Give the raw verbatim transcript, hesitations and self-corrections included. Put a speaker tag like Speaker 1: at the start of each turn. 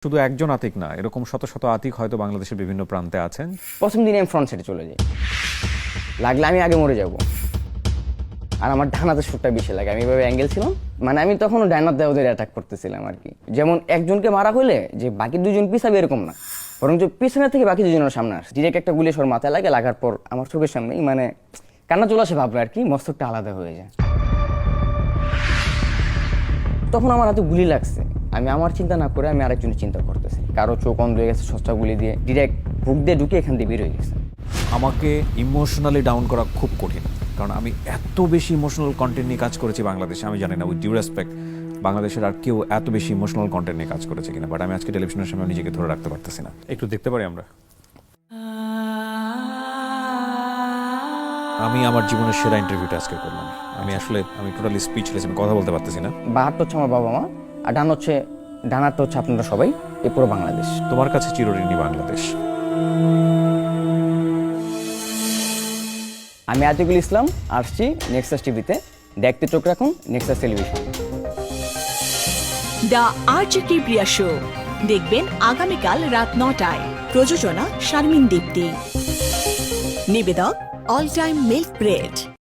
Speaker 1: শুধু একজন আতিক না, এরকম শত শত আতিক হয়তো বাংলাদেশের বিভিন্ন প্রান্তে আছেন।
Speaker 2: প্রথম দিনে আমি ফ্রন্ট সাইডে চলে যাই, লাগলে আমি আগে মরে যাব। আর আমার ডানাতে শুটটা বেশি লাগে, আমি এভাবে অ্যাঙ্গেল ছিলাম, মানে আমি তখনও ডাইনার দেওয়াদের অ্যাটাক করতেছিলাম আর কি। যেমন একজনকে মারা হলে যে বাকি দুজন পিছাবে এরকম না, বরং যে পিছনের থেকে বাকি দুজনের সামনে আসে, ডিরেক্ট একটা গুলি সর মাথায় লাগে, লাগার পর আমার চোখের সামনেই মানে কান্না চলে আসে, ভাবলো আর কি, মস্তকটা আলাদা হয়ে যায়। তখন আমার হাতে গুলি লাগছে, আমি আমার চিন্তা না করে আমি আরেকজনের চিন্তা করতেছি, কারো চোখ অন্ধ হয়ে গেছে সস্তা গুলি দিয়ে, ডিরেক্ট বুক দিয়ে ঢুকে এখান দিয়ে বের হয়ে গেছে।
Speaker 1: আমাকে ইমোশনালি ডাউন করা খুব কঠিন, কারণ আমি এত বেশি ইমোশনাল কন্টেন্ট নিয়ে কাজ করেছি বাংলাদেশে। আমি জানি না, উইথ ডিউ রেসপেক্ট, বাংলাদেশের আর কেউ এত বেশি ইমোশনাল কন্টেন্ট নিয়ে কাজ করেছে কিনা, বাট আমি আজকে টেলিভিশনের সামনে নিজেকে ধরে রাখতে পারতেছি না। একটু দেখতে পারি আমরা? আমি আমার জীবনের সেরা ইন্টারভিউটা আজকে করলাম। আমি আসলে আমি টোটালি স্পিচলেস, আমি কথা বলতে পারতেছি না।
Speaker 2: বাহারটা হচ্ছে আমার বাবা মা, আর ডান হচ্ছে ডানারটা হচ্ছে আপনারা সবাই, এই পুরো বাংলাদেশ।
Speaker 1: তোমার কাছে চিরঋণী বাংলাদেশ।
Speaker 2: আমি আতিকুল ইসলাম, আসছি নেক্সাস টিভিতে, দেখতে চোখ রাখুন নেক্সাস টেলিভিশন।
Speaker 3: দ্য আর্চ কিপ্রিয়া শো দেখবেন আগামীকাল রাত নটায়। প্রযোজনা শারমিন দীপ্তি। নিবেদক অল টাইম মিল্ক ব্রেড।